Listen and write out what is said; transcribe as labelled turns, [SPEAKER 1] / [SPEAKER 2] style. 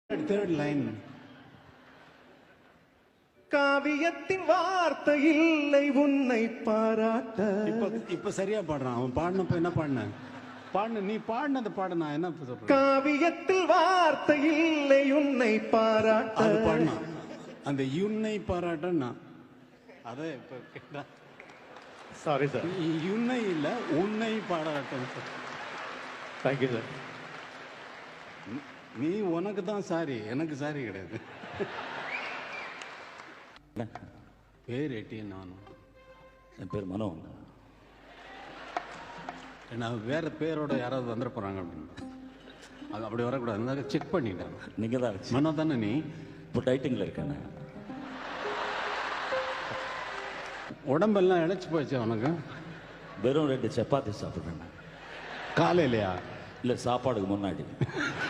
[SPEAKER 1] Third line.
[SPEAKER 2] காவியத்தின் வார்த்தை இல்லை உன்னை பாராட்ட.
[SPEAKER 1] இப்ப சரியா பாடுறான். அவன் பாடினப்ப என்ன பாடின நீ பாடினது பாட நான் என்ன சொல்றேன்.
[SPEAKER 2] காவியத்தில் வார்த்தை இல்லை உன்னை பாராட்ட.
[SPEAKER 1] அது பாடினான். அந்த உன்னை பாராட்டன்னா அத இப்ப கேட்டா.
[SPEAKER 2] Sorry sir.
[SPEAKER 1] உன்னை இல்ல உன்னை பாராட்டம்.
[SPEAKER 2] Thank you sir.
[SPEAKER 1] நீ உனக்கு தான் சாரி, எனக்கு சாரி கிடையாது. பேர் எட்டியன் நானும்.
[SPEAKER 3] என் பேர் மனோ.
[SPEAKER 1] நான் வேற பேரோட யாராவது வந்துட போறாங்க அப்படின்னு அது அப்படி வரக்கூடாது. செக் பண்ணிட்டேன்.
[SPEAKER 3] நீங்க தான்
[SPEAKER 1] மனோ தானே நீ?
[SPEAKER 3] இப்போ டைட்டிங்கில் இருக்கேன்.
[SPEAKER 1] உடம்பெல்லாம் இழைச்சி போச்சு உனக்கு.
[SPEAKER 3] வெறும் 2 சப்பாத்தி சாப்பிட்றேன்.
[SPEAKER 1] காலையிலையா?
[SPEAKER 3] இல்லை, சாப்பாடுக்கு முன்னாடி.